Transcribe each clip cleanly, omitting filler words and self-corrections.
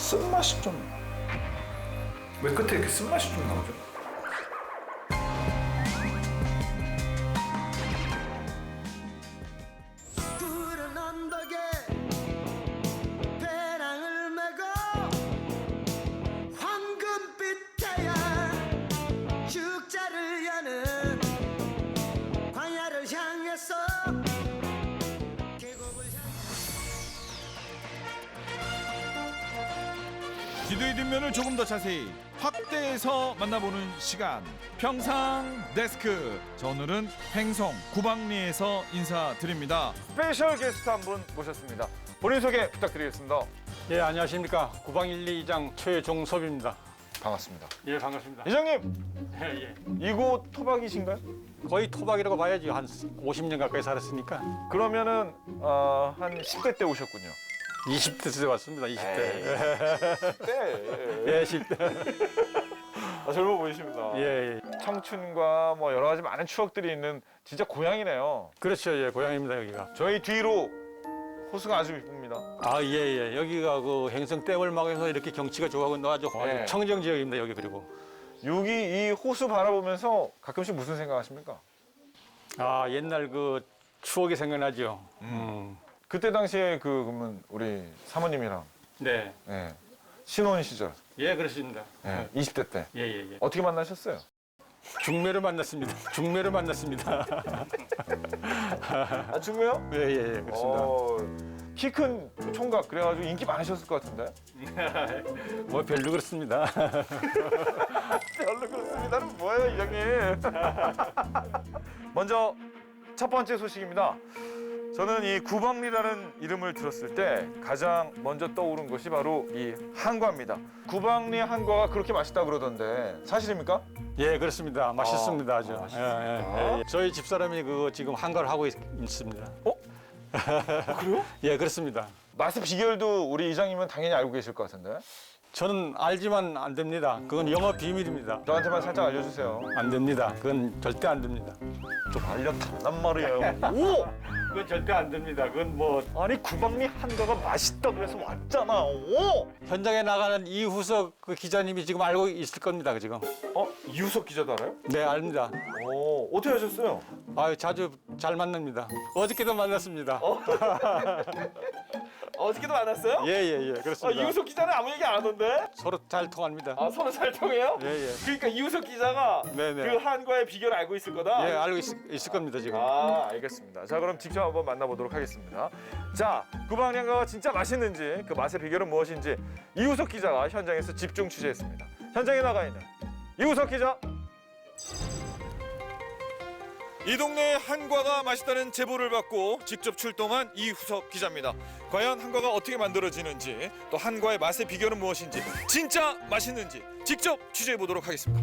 쓴맛이 좀 왜 끝에 이렇게 쓴맛이 좀 나오죠? 푸른 언덕에 배낭을 메고 황금빛 태양 축제를 여는 광야를 향해서 계곡을 지도의 뒷면을 조금 더 자세히 확대해서 만나보는 시간. 평상 데스크. 저 오늘은 횡성 구방리에서 인사드립니다. 스페셜 게스트 한 분 모셨습니다. 본인 소개 부탁드리겠습니다. 예, 안녕하십니까. 구방 1, 2장 최종섭입니다. 반갑습니다. 예, 반갑습니다. 이장님, 예, 예. 이곳 토박이신가요? 거의 토박이라고 봐야지. 한 50년 가까이 살았으니까. 그러면은 한 10대 때 오셨군요. 20대 때 왔습니다, 20대. 네. 예, 10대. 젊어 보이십니다. 예, 예. 청춘과 뭐 여러 가지 많은 추억들이 있는 진짜 고향이네요. 그렇죠, 예, 고향입니다, 여기가. 저희 뒤로 호수가 아주 이쁩니다. 아, 예, 예. 여기가 그 행성 댐을 막아서 이렇게 경치가 좋아하고 아주 네. 청정 지역입니다, 여기 그리고. 여기 이 호수 바라보면서 가끔씩 무슨 생각하십니까? 아, 옛날 그 추억이 생각나죠. 그때 당시에 그러면 우리 사모님이랑 네. 예, 신혼 시절 예, 그렇습니다. 20대 때 예, 예, 예. 어떻게 만나셨어요? 중매로 만났습니다. 중매로 만났습니다. 아 중매요? 예, 예, 예, 그렇습니다. 키 큰 총각 그래가지고 인기 많으셨을 것 같은데? 뭐 별로 그렇습니다. 별로 그렇습니다는 뭐예요 이장님? 먼저 첫 번째 소식입니다. 저는 이 구방리라는 이름을 들었을 때 가장 먼저 떠오른 것이 바로 이 한과입니다. 구방리 한과가 그렇게 맛있다 그러던데 사실입니까? 예, 그렇습니다. 맛있습니다, 아주. 맛있습니다. 예, 예, 예. 저희 집사람이 그 지금 한가를 하고 있습니다. 그래요? 예, 그렇습니다. 맛의 비결도 우리 이장님은 당연히 알고 계실 것 같은데 저는 알지만 안 됩니다. 그건 영업 비밀입니다. 저한테만 살짝 알려주세요. 안 됩니다. 그건 절대 안 됩니다. 좀 알려달란 말이에요. 오! 그건 절대 안 됩니다. 그건 뭐 아니 구방리 한과가 맛있다고 해서 왔잖아. 오! 현장에 나가는 이후석 그 기자님이 지금 알고 있을 겁니다, 지금. 이우석 기자도 알아요? 네, 압니다. 오, 어떻게 하셨어요? 아유, 자주 잘 만납니다. 어저께도 만났습니다. 어저께도 만났어요? 예, 예, 예, 그렇습니다. 이우석 기자는 아무 얘기 안 하던데? 서로 잘 통합니다. 서로 잘 통해요? 예, 예. 그러니까 이우석 기자가 네네. 그 한과의 비결을 알고 있을 거다? 예, 알고 있을 겁니다, 지금. 알겠습니다. 자, 그럼 직접 한번 만나보도록 하겠습니다. 자, 구방리 한과가 진짜 맛있는지 그 맛의 비결은 무엇인지 이우석 기자가 현장에서 집중 취재했습니다. 현장에 나가 있는 이우석 기자. 이 동네에 한과가 맛있다는 제보를 받고 직접 출동한 이후석 기자입니다. 과연 한과가 어떻게 만들어지는지 또 한과의 맛의 비결은 무엇인지 진짜 맛있는지 직접 취재해 보도록 하겠습니다.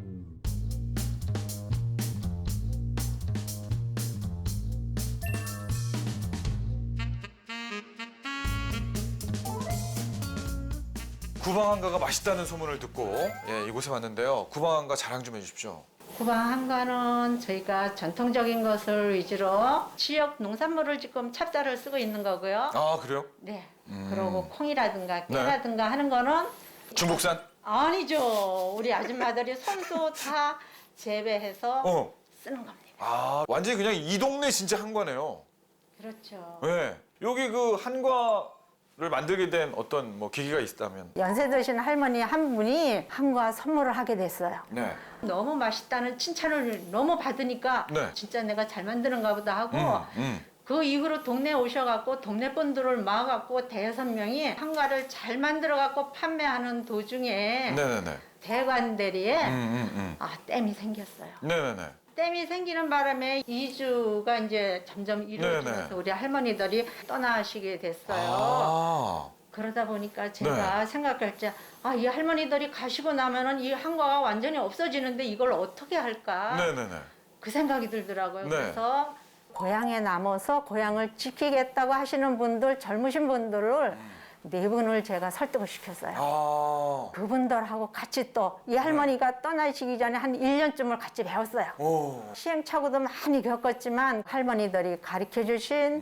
구방 한과가 맛있다는 소문을 듣고 이곳에 왔는데요. 구방 한과 자랑 좀 해주십시오. 구방 한과는 저희가 전통적인 것을 위주로 지역 농산물을 지금 찹쌀을 쓰고 있는 거고요. 아 그래요? 네. 그리고 콩이라든가 네. 깨라든가 하는 거는 중국산? 아니죠. 우리 아줌마들이 손수 다 재배해서 쓰는 겁니다. 아 완전히 그냥 이 동네 진짜 한과네요. 그렇죠. 네. 여기 그 한과를 만들게 된 어떤 뭐 계기가 있다면? 연세 드신 할머니 한 분이 한과 선물을 하게 됐어요. 네. 너무 맛있다는 칭찬을 너무 받으니까 네. 진짜 내가 잘 만드는가 보다 하고 그 이후로 동네에 오셔갖고 동네 분들을 모아갖고 대여섯 명이 한과를 잘 만들어갖고 판매하는 도중에 네네네. 대관대리에 댐이 생겼어요. 네네네. 댐이 생기는 바람에 이주가 이제 점점 이루어지면서 네네. 우리 할머니들이 떠나시게 됐어요. 아. 그러다 보니까 제가 생각할 때, 이 할머니들이 가시고 나면은 이 한과가 완전히 없어지는데 이걸 어떻게 할까? 네네네. 그 생각이 들더라고요. 네. 그래서 고향에 남아서 고향을 지키겠다고 하시는 분들, 젊으신 분들을 네 분을 제가 설득을 시켰어요. 아. 그분들하고 같이 또 이 할머니가 떠나시기 전에 한 1년쯤을 같이 배웠어요. 오. 시행착오도 많이 겪었지만 할머니들이 가르쳐 주신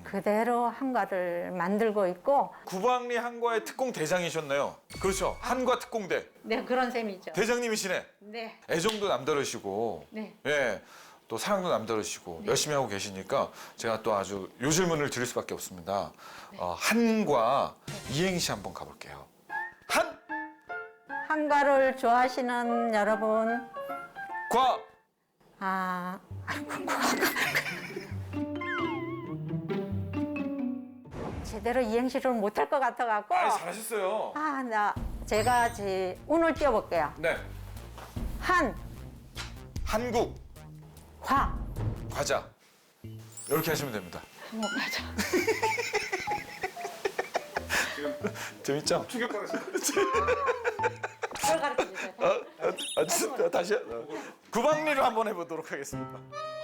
그대로 한과를 만들고 있고 구방리 한과의 특공 대장이셨나요? 그렇죠. 한과 특공대 네 그런 셈이죠. 대장님이시네. 네. 애정도 남다르시고, 네. 예, 또 사랑도 남다르시고 열심히 하고 계시니까 제가 또 아주 요 질문을 드릴 수밖에 없습니다. 한과 이행시 한번 가볼게요. 한, 한과를 좋아하시는 여러분 과, 제대로 이행시를 못할 것 같아갖고 잘하셨어요. 제가 운을 띄워볼게요. 네, 한국 과 과자 이렇게 하시면 됩니다. 한국 과자. 재밌죠? 충격받으시죠? 그걸 가르쳐주세요. 다시 구방리로 한번 해보도록 하겠습니다.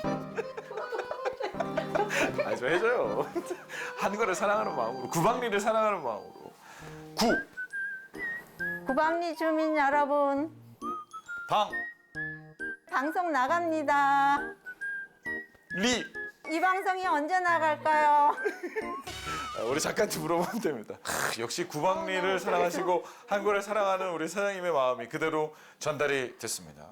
좀 해줘요. 한국을 사랑하는 마음으로, 구방리를 사랑하는 마음으로. 구방리 주민 여러분 방, 방송 나갑니다. 리. 이 방송이 언제 나갈까요? 우리 작가한테 물어보면 됩니다. 역시 구방리를 사랑하시고 한국을 사랑하는 우리 사장님의 마음이 그대로 전달이 됐습니다.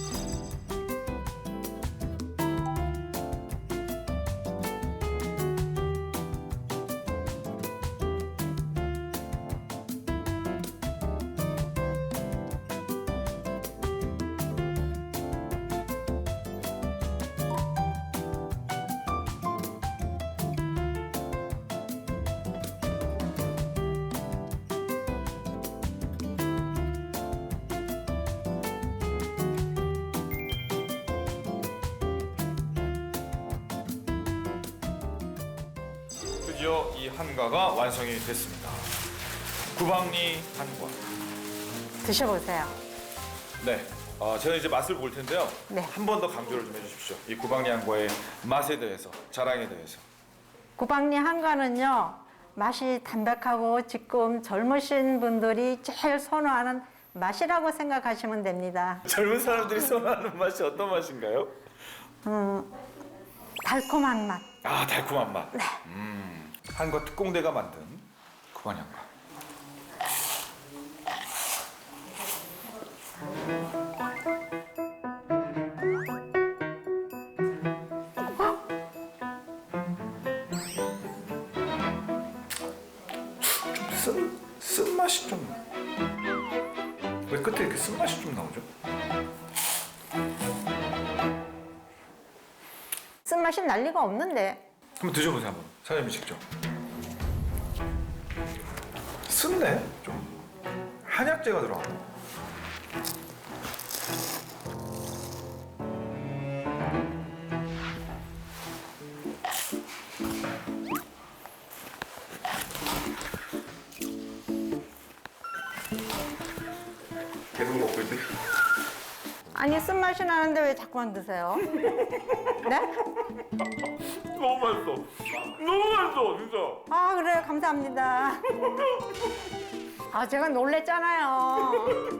드디어 이 한과가 완성이 됐습니다. 구방리 한과. 드셔보세요. 네, 제가 이제 맛을 볼 텐데요. 네. 한 번 더 강조를 좀 해주십시오. 이 구방리 한과의 맛에 대해서, 자랑에 대해서. 구방리 한과는요 맛이 담백하고 지금 젊으신 분들이 제일 선호하는 맛이라고 생각하시면 됩니다. 젊은 사람들이 선호하는 맛이 어떤 맛인가요? 달콤한 맛. 달콤한 맛. 네. 한과 특공대가 만든 구방리 한과. 쓴맛이 좀. 왜 끝에 이렇게 쓴맛이 좀 나오죠? 쓴맛이 날 리가 없는데. 한번 드셔보세요, 한번. 사장님이 직접. 쓴네? 좀. 한약재가 들어가고. 계속 먹고 있대. 아니 쓴맛이 나는데 왜 자꾸만 드세요? 네? 너무 맛있어. 너무 맛있어, 진짜. 그래요. 감사합니다. 제가 놀랬잖아요.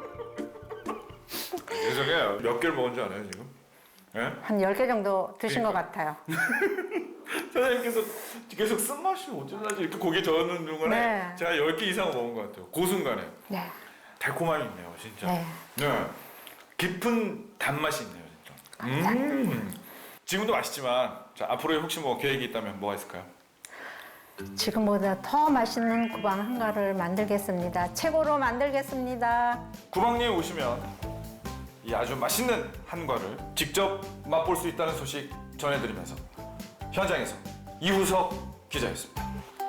죄송해요. 몇 개를 먹은 줄 알아요, 지금? 예? 한 10개 정도 드신 것 같아요. 사장님께서 계속 쓴맛이 어쩌나지 이렇게 고개 저는 중간에 네. 제가 10개 이상 먹은 것 같아요. 그 순간에. 네. 달콤함이 있네요, 진짜. 네. 네. 깊은 단맛이 있네요, 진짜. 지금도 맛있지만 자, 앞으로의 혹시 뭐 계획이 있다면 뭐가 있을까요? 지금보다 더 맛있는 구방 한과를 만들겠습니다. 최고로 만들겠습니다. 구방리에 오시면 이 아주 맛있는 한과를 직접 맛볼 수 있다는 소식 전해드리면서 현장에서 이후석 기자였습니다.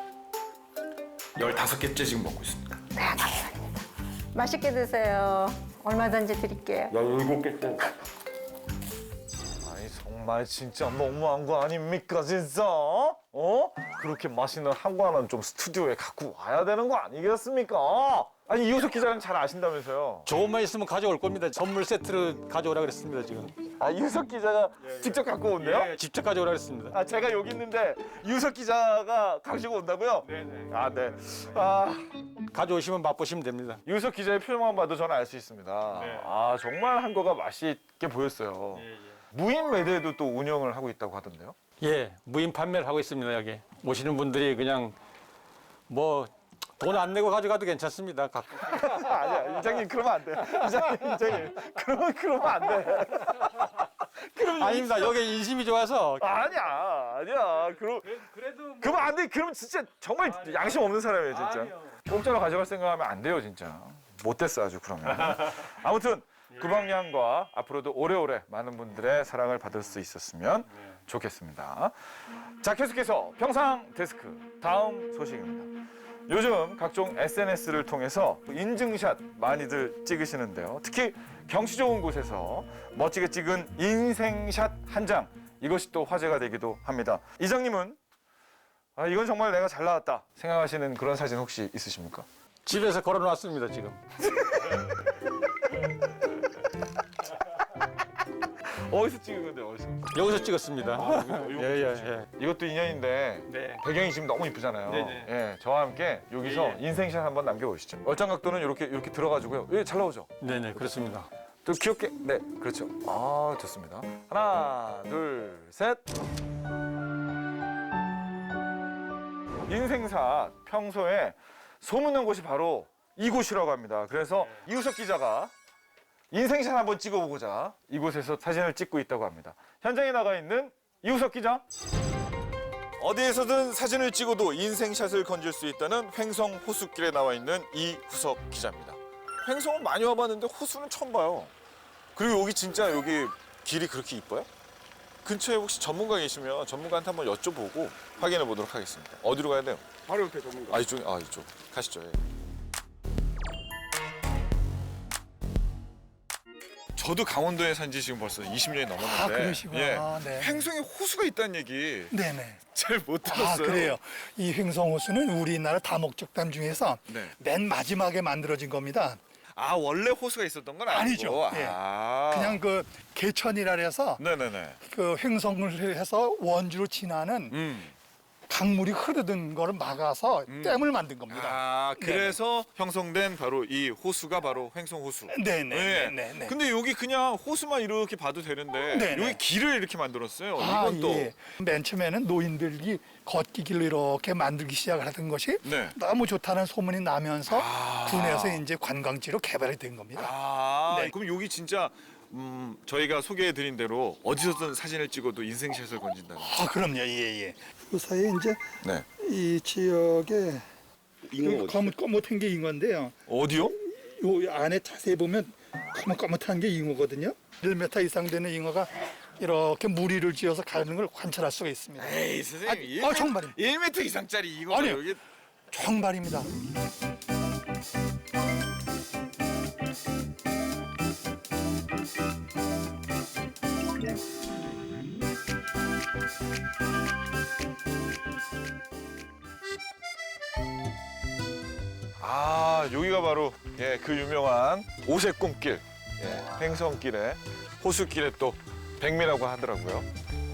15개째 지금 먹고 있습니다. 네, 감사합니다. 맛있게 드세요. 얼마든지 드릴게요. 17개째. 아니 정말 진짜 너무한 거 아닙니까 진짜? 그렇게 맛있는 한과는 좀 스튜디오에 갖고 와야 되는 거 아니겠습니까? 아니 이호석 기자는 잘 아신다면서요? 조금만 있으면 가져올 겁니다. 선물 세트를 가져오라 그랬습니다, 지금. 이호석 기자가 직접 갖고 온대요? 예, 직접 가져오라 그랬습니다. 제가 여기 있는데 이호석 기자가 가지고 온다고요? 네네. 네. 가져오시면 맛보시면 됩니다. 이호석 기자의 표정만 봐도 저는 알 수 있습니다. 네. 정말 한과가 맛있게 보였어요. 무인 매대도 또 운영을 하고 있다고 하던데요? 예, 무인 판매를 하고 있습니다. 여기 오시는 분들이 그냥 뭐 돈 안 내고 가져가도 괜찮습니다. 아니야, 이장님 그러면 안 돼. 이장님 그러면 안 돼. 아닙니다. 여기 인심이 좋아서. 아니야. 그러면 안 돼. 그러면 진짜 정말 양심 없는 사람이에요, 진짜. 공짜로 가져갈 생각하면 안 돼요, 진짜. 못됐어 아주 그러면. 아무튼 구방양과 앞으로도 오래오래 많은 분들의 사랑을 받을 수 있었으면 좋겠습니다. 자, 계속해서 평상 데스크 다음 소식입니다. 요즘 각종 SNS를 통해서 인증샷 많이들 찍으시는데요. 특히 경치 좋은 곳에서 멋지게 찍은 인생샷 한 장, 이것이 또 화제가 되기도 합니다. 이장님은 이건 정말 내가 잘 나왔다 생각하시는 그런 사진 혹시 있으십니까? 집에서 걸어놨습니다, 지금. 어디서 찍은 건데, 어디서? 여기서 찍었습니다. 예. 이것도 인연인데 네. 배경이 지금 너무 이쁘잖아요. 네네. 예, 저와 함께 여기서 인생샷 한번 남겨보시죠. 얼짱각도는 이렇게 들어가지고요. 예, 잘 나오죠? 네네, 그렇습니다. 또 귀엽게. 네, 그렇죠. 아, 좋습니다. 하나, 둘, 셋. 인생샷 평소에 소문난 곳이 바로 이곳이라고 합니다. 그래서 이우석 기자가 인생샷 한번 찍어보고자 이곳에서 사진을 찍고 있다고 합니다. 현장에 나가 있는 이우석 기자. 어디에서든 사진을 찍어도 인생샷을 건질 수 있다는 횡성 호수길에 나와 있는 이후석 기자입니다. 횡성은 많이 와봤는데 호수는 처음 봐요. 그리고 여기 진짜 여기 길이 그렇게 이뻐요? 근처에 혹시 전문가 계시면 전문가한테 한번 여쭤보고 확인해 보도록 하겠습니다. 어디로 가야 돼요? 바로 옆에 전문가. 이쪽 가시죠. 예. 저도 강원도에 산 지 지금 벌써 20년이 넘었는데. 아, 그러시구나. 예. 네. 횡성에 호수가 있다는 얘기 네네. 잘 못 아, 들었어요. 그래요. 이 횡성호수는 우리나라 다목적담 중에서 네. 맨 마지막에 만들어진 겁니다. 원래 호수가 있었던 건 아니고. 아니죠. 예. 그냥 그 개천이라 해서 네네네. 그 횡성을 해서 원주로 지나는 강물이 흐르던 거를 막아서 댐을 만든 겁니다. 그래서 형성된 바로 이 호수가 바로 횡성 호수. 네네. 근데 여기 그냥 호수만 이렇게 봐도 되는데 네네. 여기 길을 이렇게 만들었어요. 아, 이건 또 예. 맨 처음에는 노인들이 걷기 길로 이렇게 만들기 시작을 하던 것이 네. 너무 좋다는 소문이 나면서 군에서 이제 관광지로 개발이 된 겁니다. 네. 그럼 여기 진짜 저희가 소개해드린 대로 어디서든 사진을 찍어도 인생샷을 건진다는. 아, 그럼요. 예. 그 사이에 이제 네. 이 지역에 거뭇한 게 잉어인데요. 어디요? 요 안에 자세히 보면 거뭇한 게 잉어거든요. 1m 이상 되는 잉어가 이렇게 무리를 지어서 가는 걸 관찰할 수가 있습니다. 에이 선생님. 정말입니다. 1m 이상짜리 이거 아니요. 여기. 정말입니다. 여기가 바로 그 유명한 오색 꿈길, 횡성길에 호수길에 또 백미라고 하더라고요.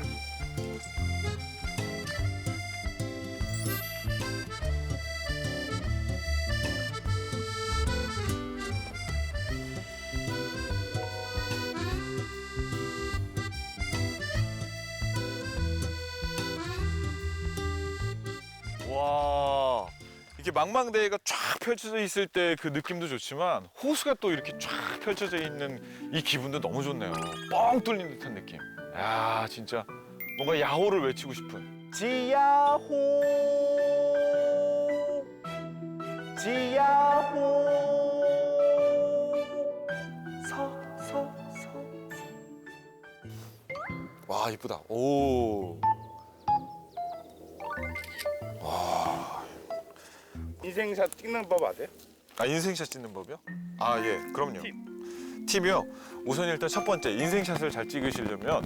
와, 이렇게 망망대해가 쫙 펼쳐져 있을 때 그 느낌도 좋지만 호수가 또 이렇게 쫙 펼쳐져 있는 이 기분도 너무 좋네요. 뻥 뚫린 듯한 느낌. 야, 진짜 뭔가 야호를 외치고 싶은. 지야호 와, 이쁘다. 오. 인생샷 찍는 법 아세요? 인생샷 찍는 법이요? 예, 그럼요. 팁이요? 우선 일단 첫 번째, 인생샷을 잘 찍으시려면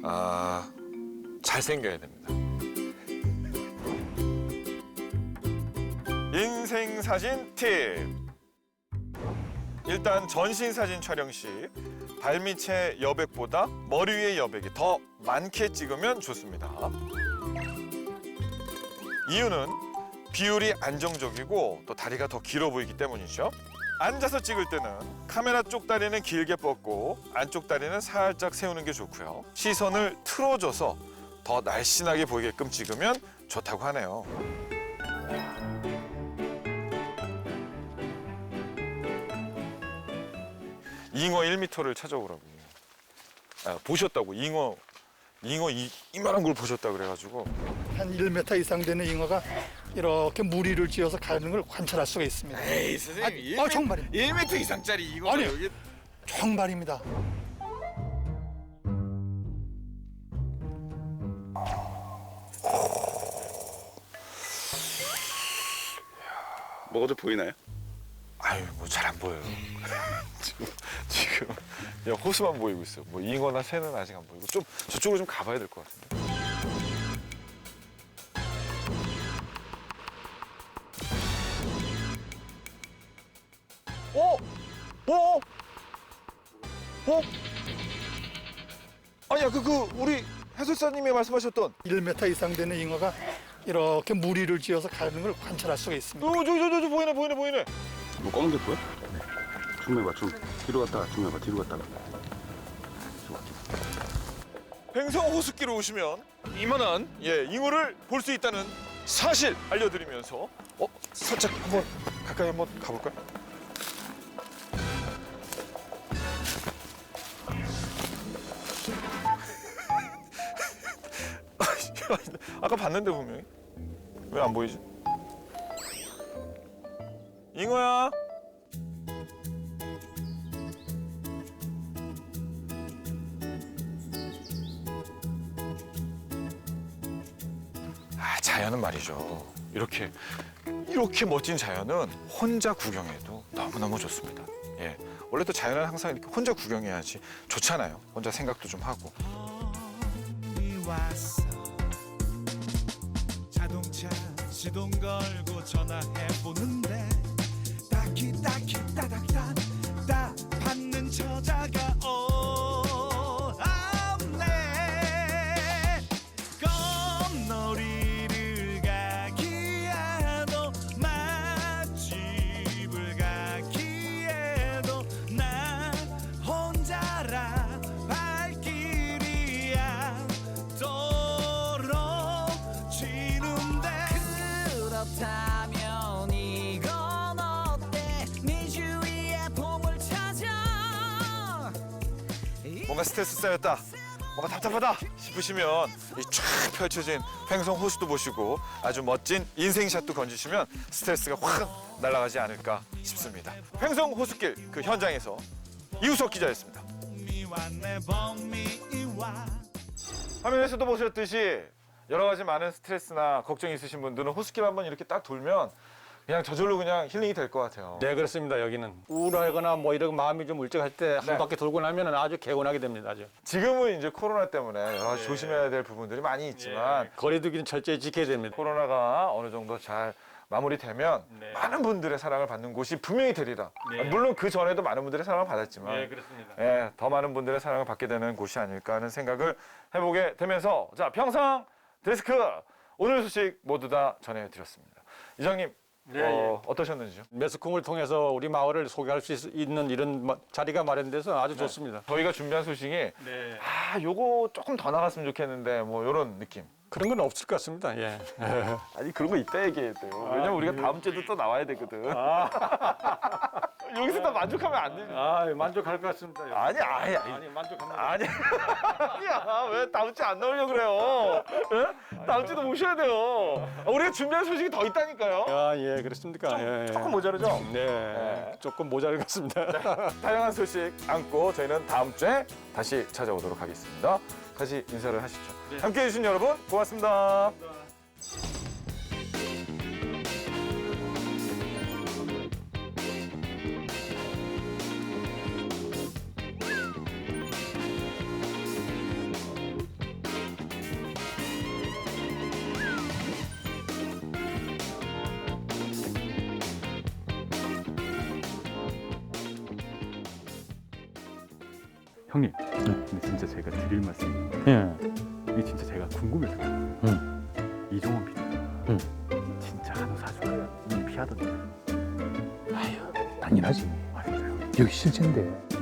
잘생겨야 됩니다. 인생사진 팁! 일단 전신사진 촬영 시 발밑의 여백보다 머리 위의 여백이 더 많게 찍으면 좋습니다. 이유는 비율이 안정적이고 또 다리가 더 길어 보이기 때문이죠. 앉아서 찍을 때는 카메라 쪽 다리는 길게 뻗고 안쪽 다리는 살짝 세우는 게 좋고요. 시선을 틀어줘서 더 날씬하게 보이게끔 찍으면 좋다고 하네요. 잉어 1m를 찾아오라고. 보셨다고 잉어 이만한 걸 보셨다 그래가지고. 한 1m 이상 되는 잉어가 이렇게 무리를 지어서 가는 걸 관찰할 수가 있습니다. 에이 선생님, 정말입니다. 1m 이상짜리 이거 아니. 여기 정말입니다. 먹어도 보이나요? 아유 뭐 잘 안 보여요. 지금 그냥 호수만 보이고 있어요. 뭐 잉어나 새는 아직 안 보이고 좀 저쪽으로 좀 가봐야 될 것 같은데. 어? 어? 어? 아니야 그 우리 해설사님이 말씀하셨던 1m 이상 되는 잉어가 이렇게 무리를 지어서 가는 걸 관찰할 수가 있습니다. 저 보이네. 뭐 꽝 됐고요? 네. 중매봐 중. 뒤로 갔다가 중매봐 뒤로 갔다가. 횡성 호숫길로 오시면 이만한 잉어를 볼 수 있다는 사실 알려드리면서 살짝 한번 가까이 한번 가볼까요? 아까 봤는데 분명히 왜 안 보이지? 잉어야. 자연은 말이죠. 이렇게 멋진 자연은 혼자 구경해도 너무너무 좋습니다. 예. 원래 또 자연은 항상 이렇게 혼자 구경해야지 좋잖아요. 혼자 생각도 좀 하고. 자동차 시동 걸고 전화해 보는데 딱히 따닥따 받는 처자가 없네. 껌놀이를 가기에도 맛집을 가기에도 나 혼자라 발길이야 떨어지는데. 그렇다면 이건 어때 네 주위에 봄을 찾아. 뭔가 스트레스 쌓였다, 뭔가 답답하다 싶으시면 이 쫙 펼쳐진 횡성 호수도 보시고 아주 멋진 인생샷도 건지시면 스트레스가 확 날아가지 않을까 싶습니다. 횡성 호수길 그 현장에서 이우석 기자였습니다. 화면에서도 보셨듯이 여러 가지 많은 스트레스나 걱정이 있으신 분들은 호수길 한번 이렇게 딱 돌면 그냥 저절로 그냥 힐링이 될 것 같아요. 네, 그렇습니다. 여기는 우울하거나 뭐 이런 마음이 좀 울적할 때 한 네. 바퀴 돌고 나면 아주 개운하게 됩니다. 아주. 지금은 이제 코로나 때문에 여러 가지 조심해야 될 부분들이 많이 있지만 거리두기는 철저히 지켜야 됩니다. 코로나가 어느 정도 잘 마무리되면 많은 분들의 사랑을 받는 곳이 분명히 되리라. 물론 그 전에도 많은 분들의 사랑을 받았지만 그렇습니다. 더 많은 분들의 사랑을 받게 되는 곳이 아닐까 하는 생각을 해보게 되면서 자 평상 데스크 오늘 소식 모두 다 전해드렸습니다. 이장님 어떠셨는지요? 매스콩을 통해서 우리 마을을 소개할 수 있는 이런 자리가 마련돼서 아주 좋습니다. 저희가 준비한 소식이 요거 조금 더 나갔으면 좋겠는데 뭐 이런 느낌. 그런 건 없을 것 같습니다. 예. 아니 그런 거 이따 얘기해야 돼요. 왜냐면 우리가 다음 주에도 또 나와야 되거든. 여기서 다 만족하면 안 되지. 만족할 것 같습니다. 아니 만족합니다. 아니야 왜 다음 주에 안 나오려고 그래요? 예? 다음 주도 모셔야 돼요. 우리가 준비한 소식이 더 있다니까요. 예, 그렇습니까? 조금 모자르죠? 네, 조금 모자랄 것 같습니다. 다양한 소식 안고 저희는 다음 주에 다시 찾아오도록 하겠습니다. 다시 인사를 하시죠. 함께해 주신 여러분 고맙습니다. 형님, 근데 진짜 제가 드릴 말씀이 이게 진짜 제가 궁금해서 이종원 PD가 진짜 한우 사줄까요? 이 피하던데. 아유, 당연하지. 아 진짜요? 여기 실제인데.